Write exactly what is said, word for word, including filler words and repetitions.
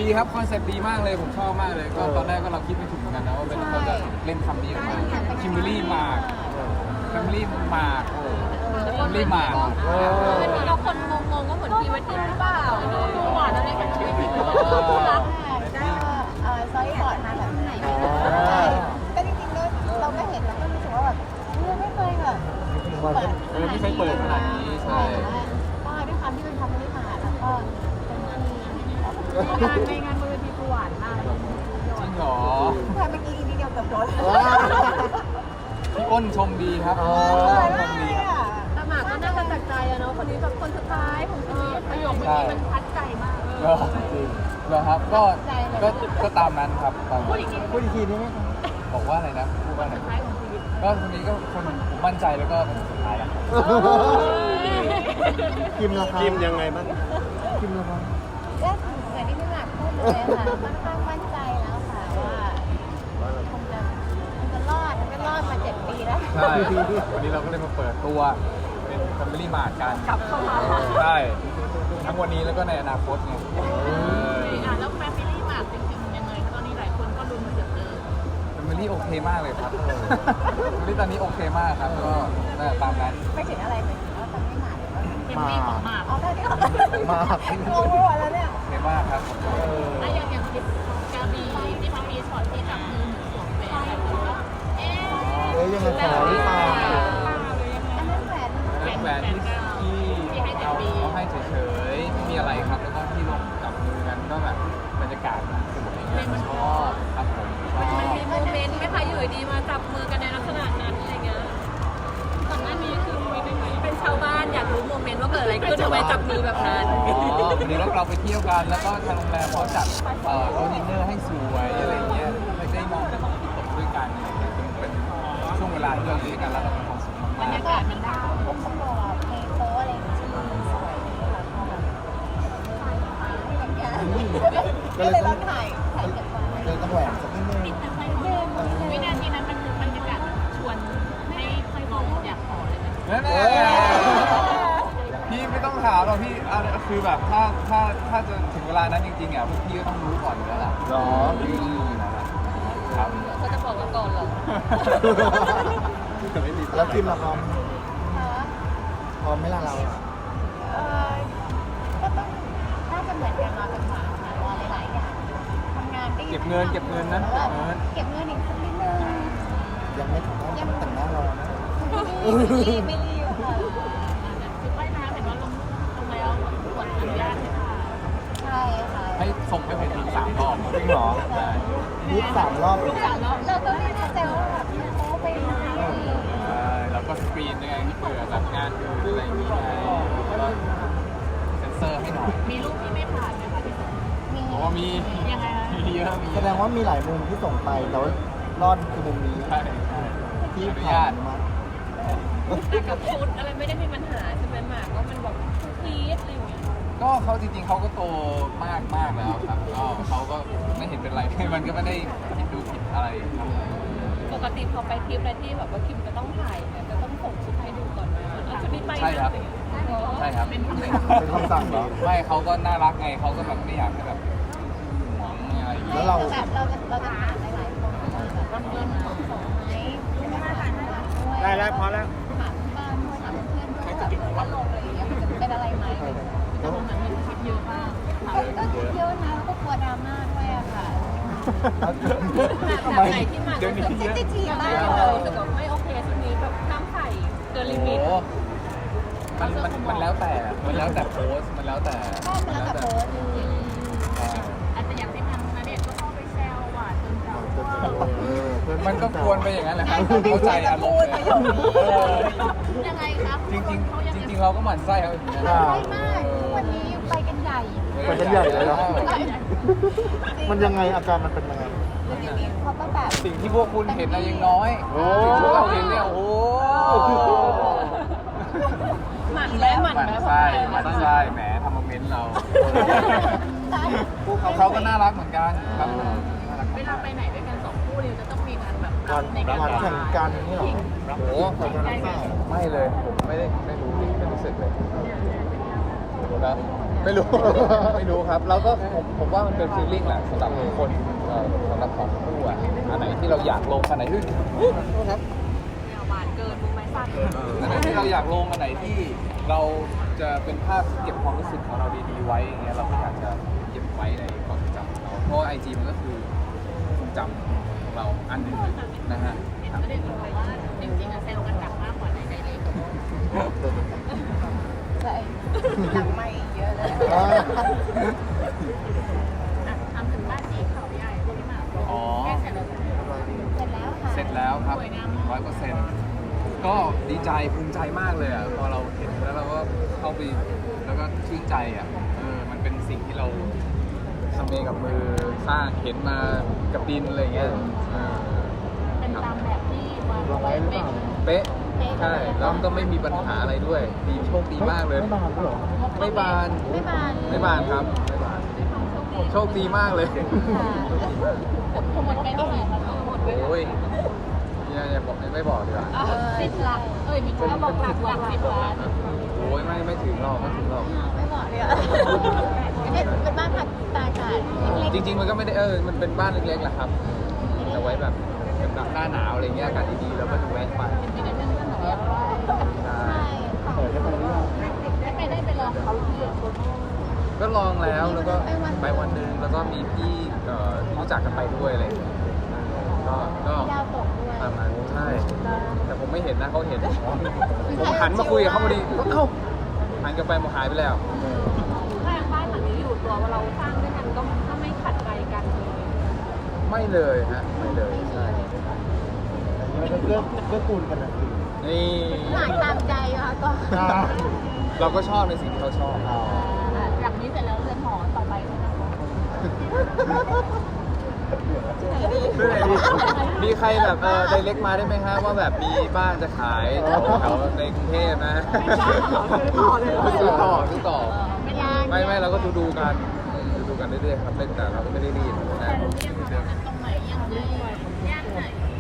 ดีครับคอนเซ็ปต์ดีมากเลยผมชอบมากเลยก็ตอนแรกก็เราคิดไม่ถึงเหมือนกันนะว่าเป็นเขาจะเล่นคำนี้ออกมาคิมเบอร์รี่มาร์กคิมเบอร์รี่มาร์กคิมเบอร์รี่มาร์กมันมีเราคนงงๆว่าเหมือนพรีเวดดิ้งหรือเปล่าดูหวานอะไรกันชีวิตจริงคู่รักก็เออซอยบอร์ดมาแบบไหนก็จริงๆก็เราก็เห็นแล้วก็รู้สึกว่าแบบไม่เคยแบบเปิดเออไม่เคยเปิดขนาดนี้ใช่ก็ด้วยความที่เป็นคำไม่ผ่านแล้วก็เป็นที่ในงานบนเวทีคือหวานมากจริงเหรอแค่เมื่อกี้นิดเดียวเกือบโดนพี่อ้นชมดีครับชมดีครับแต่หมากก็น่าจะจากใจอะเนาะคนนี้แบบคนสุดท้ายของชีวิตประโยคเมื่อกี้มันทัดใจมากก็เหรอครับก็ก็ก็ตามนั้นครับตามพูนั้ดนอีกทีพูดอีกทีนี้ไหมบอกว่าอะไรนะพูดว่าอะไรสุดท้ายของชีวิตก็คนนี้ก็คนผมมั่นใจแล้วก็เป็นสุดท้ายแล้วคิมราคาคิมยังไงบ้างคิมราคาก็เหมือนที่พี่หมากพูดเลยค่ะค่อนข้างมั่นใจแล้วค่ะว่าคงจะคงจะรอดมันก็รอดมาเจ็ดปีแล้วใช่วันนี้เราก็เลยมาเปิดตัวเป็นแฟมิลี่มาร์ทกันกลับเข้ามาใช่ทั้งวันนี้แล้วก็ในอนาคตไงเอออ่ะแล้วแฟมิลี่หมากจริงๆยังไงคะตอนนี้หลายคนก็ลุ้นเดือดเลยแฟมิลี่โอเคมากเลยครับแฟมิลี่ตอนนี้โอเคมากครับก็นั่นแหละตามนั้นไม่ถึงอะไรเลยว่าทำไม่หมาหรือว่าเอ็มวีของหมากเอาแค่นี้มากงงไปหมดแล้วเนี่ยโอเคมากครับแล้วอย่างอย่างคลิปกาบีที่เขามีช็อตที่จับมือหนูสวมแหวนแล้วก็เอ๊ะเอ้ยยังไงขอหรือเปล่าอันนั้นแหวนเป็นแหวนที่ที่เอาเขาให้เฉยๆไม่มีอะไรครับแล้วก็ที่ลงกับมือกันก็แบบบรรยากาศมันสวยงามชอบครับผมชอบมันมีโมเมนต์ไหมคะอยู่ดีมาจับมือกันในลักษณะนั้นอะไรเงี้ยก่อนหน้านี้คือมีเป็นชาวบ้านอยากรู้โมเมนต์ว่าเกิดอะไรขึ้นทำไมจับมือแบบนั้นอ๋อวันนี้เราไปเที่ยวกันแล้วก็ทางโรงแรมเขาจัดเอ่อโต๊ะดินเนอร์ให้สวยอะไรเงี้ยไม่ได้มองแต่ของที่ตกด้วยกันอะไรเงี้ยเป็นเป็นช่วงเวลาที่เราอยู่ด้วยกันแล้วเรามีความสุขบรมาร กยากาศมันได้ผมต้องบอกเพลงโป๊อะไรอย่างเงี้ยมันสวยแล้วก็แบบก็เลยต้องถ่ายถ่ายเก็บไว้เลยต้องแหวนสักนิดนึงวินาทีนั้นมันคือบรรยากาศชวนให้ค่อยมองอยากขอเลยไหมๆนั่นแหละพี่ไม่ต้องถามหรอกพี่อ่ะคือแบบถ้าถ้าถ้าจะถึงเวลานั้นจริงๆอ่ะพวกพี่ก็ต้องรู้ก่อนอยู่แล้วล่ะหรออืมครับเขาจะบอกเราก่อนเหรอไม่มีแล้วคิมราคาค่ะพร้อมไหมล่ะเราเออก็ต้องน่าจะเหมือนกันมาเป็นหมาค่ะรอหลายๆอย่างทำงานได้เก็บเงินเก็บเงินนะเก็บเงินเก็บเงินอีกสักนิดนึงยังไม่ถึงต้องแต่งหน้ารอนะไม่รีบไม่รีบค่ะคือว่ายน้ำเห็นว่าลงลงแล้วกดอนุญาตเลยค่ะใช่ค่ะให้ส่งให้ผมอีกสามรอบจริงเหรอใช่ยี่สามรอบอีกเราก็ไม่แน่ใจว่าแบบมันโป๊ไปไหมใช่แล้วก็สกรีนด้วยไงเผื่อแบบงานอื่นอะไรอย่างเงี้ยแล้วก็เซ็นเซอร์ให้หน่อยมีรูปที่ไม่ผ่านไหมคะพี่สมมีเพราะว่ามียังไงคะมีเยอะมีเยแสอะดงว่ามีหลายมุมที่ส่งไปแต่ว่ารอดคือมุมนี้ใช่ใช่ที่อนุผ่าญาน ตมาแต่กับชุดอะไรไม่ได้มีปัญหาใช่ไหมหมากว่ามันแบบพีชอะไรอย่างเงี้ยก็เขาจริงๆเขาก็โตมากมากแล้วครับก็เขาก็ไม่เห็นเป็นไร มันก็ไม่ได้ผิดดูผิดอะไรครับปกติพอไปทริปอะไรที่แบบว่าคิมจะต้องถ่ายเนี่ยจะต้องส่งชุดให้ดูก่อนไหมว่าชุดนี้ไปนะใช่ครับอะไรอย่างเงี้ยใช่ครับเป็นคำสั่งเป็นคำสั่งเหรอไม่เขาก็น่ารักไงเขาก็แบบไม่อยากให้แบบหวงอะไรอย่างเงี้ยแล้วเราแบบเราจะเราจะถามหลายๆคนว่าแบบเรามีของส่งไหมไม่ได้ถามด้วยได้แล้วพอแล้วถามบ้านด้วยถามเพื่อนด้วยแบบว่าลงอะไรอย่างเงี้ยมันจะเป็นอะไรไหมแล้วมันมีคลิปเยอะมากก็ก็คิดเยอะนะแล้วก็กลัวดราม่าด้วยอะค่ะทำไมไหนที่มาเดี๋ยวนี้เซนซิทีฟมากที่เลเรายรู้สึกว่าไม่โอเคชุดนี้แบบห้ามถ่ายเกินลิมิตโอ้มันมันมันแล้วแต่มันแล้วแต่โพสต์มันแล้วแต่ก็มันแล้วแต่โพสต์ใช่อาจจะอย่างที่ทางนาเดชน์ก็เข้าไปแซวหวานจนเราเออเพื่อมันก็ควรไปอย่างนั้นแหละครับเข้าใจอารมณ์เลยเออยังไงครับจริงจริงๆจริงๆเราก็หมั่นไส้เขาอย่างนี้นะใช่มากทุกวันนี้ไปกันใหญ่ไปกันใหญ่เลยเหรอมันยังไงอาการมันเป็นยังไงแล้วทีนี้เขาก็แบบสิ่งที่พวกคุณเห็นนะยังน้อยโอ้สิ่งที่เราเห็นเนี่ยโอ้โหหมั่นแม่หมั่นหมั่นแม่ไส้หมั่นไส้แหมทำโมเมนต์เราเขาเขาก็น่ารักเหมือนกันครับน่ารักเวลาไปไหนด้วยกันสองคู่เนี่ยจะต้องมีการแบบวันในการวันแข่งกันนี่เหรอโอ้แข่งกันหรือเปล่าไม่เลยผมไม่ได้ไม่รู้ไม่รู้สึกเลยนะไม่รู้ ไม่รู้ครับเราก็ผมผมว่ามันเป็นฟีลลิ่งแหละสำหรับทุกคนเอ่อสำหรับของคู่อ่ะอันไหนที่เราอยากลงอันไหนที่ครับเนี่ยหวานเกินมือไม้สั่นอันไหนที่เราอยากลงอันไหนที่เราจะเป็นภาพเก็บความรู้สึกของเราดีๆไว้อย่างเงี้ยเราก็อยากจะเก็บไว้ในความทรงจำของเราเพราะไอจีมันก็คือทรงจำของเราอันหนึ่งนะฮะก็ได้บอกว่าจริงๆอะเซลล์กันหนักมากกว่าในไดเรกใช่หลังไม่เยอะเลยอ่าอ่ะทำถึงบ้านที่เขาใหญ่ที่หมากอ๋อแก้เสร็จแล้วเสร็จแล้วค่ะเสร็จแล้วครับร้อยเปอร์เซ็นต์ก็ดีใจภูมิใจมากเลยอ่ะพอเราเห็นแล้วเราก็เข้าไปแล้วก็ชื่นใจอ่ะเออมันเป็นสิ่งที่เราทำเองกับมือสร้างเห็นมากับดินอะไรอย่างเงี้ยเออเป็นตามแบบที่วางลงไว้หรือเปล่าเป๊ะใช่แล้วก็ไม่มีปัญหาอะไรด้วยดีโชคดีมากเลยไม่บานด้วยเหรอไม่บานไม่บานไม่บานครับไม่บานโชคดีมากเลยค่ะหมดไปเท่าไหร่คะหมดไปโอ้ยอย่าอย่าบอกไม่บอกดีกว่าสิบหลักเอ้ยมีคนบอกหลักหลักสิบล้านโอ้ยไม่ไม่ถึงหรอกไม่ถึงหรอกไม่บอกเลยอ่ะเป็นเป็นบ้านพักตากอากาศเล็กจริงๆ มันก็ไม่ได้เออ มันเป็นบ้านเล็กๆแหละครับแต่ไว้แบบเป็นแบบหน้าหนาวอะไรเงี้ยอากาศดีๆ แล้วก็ดูแวะไปมีแต่เพื่อนๆบอกว่าใช่ๆใช่ค่ะเปิดให้ไปเรื่อยไม่ไปได้ไปลองเขาที่ก็ลองแล้ว แล้วก็ไปวันหนึ่งแล้วก็มีพี่เอ่อที่รู้จักกันไปด้วยอะไรอย่างเงี้ยก็ ก็ดาวตกด้วยประมาณใช่ แต่ผมไม่เห็นนะเขาเห็น ผมหันมาคุยกับเขาพอดี เอ้า หันกลับไปมันหายไปแล้วถ้าอย่างบ้านหลังนี้อยู่ตัวว่าเราสร้างด้วยกันก็ถ้าไม่ขัดใจกันเลยไม่เลยฮะ ไม่เลย ใช่อันนี้มันก็เลือกเลือกคูณกันนะคือนี่หลายตามใจค่ะก็อ่าเราก็ชอบในสิ่งที่เขาชอบอ๋อจากนี้เสร็จแล้วเรือนหอต่อไปใช่ไหมคะมีใครแบบเออไดเล็กมาได้ไหมฮะว่าแบบมีบ้านจะขายแถวในกรุงเทพนะซื้อต่อซื้อต่อไม่ได้ไม่ไม่เราก็ดูดูๆกันดูดูๆกันเรื่อยๆครับเล่นแต่เราก็ไม่ได้รีบนะตรงไหนยังไงย่านไหน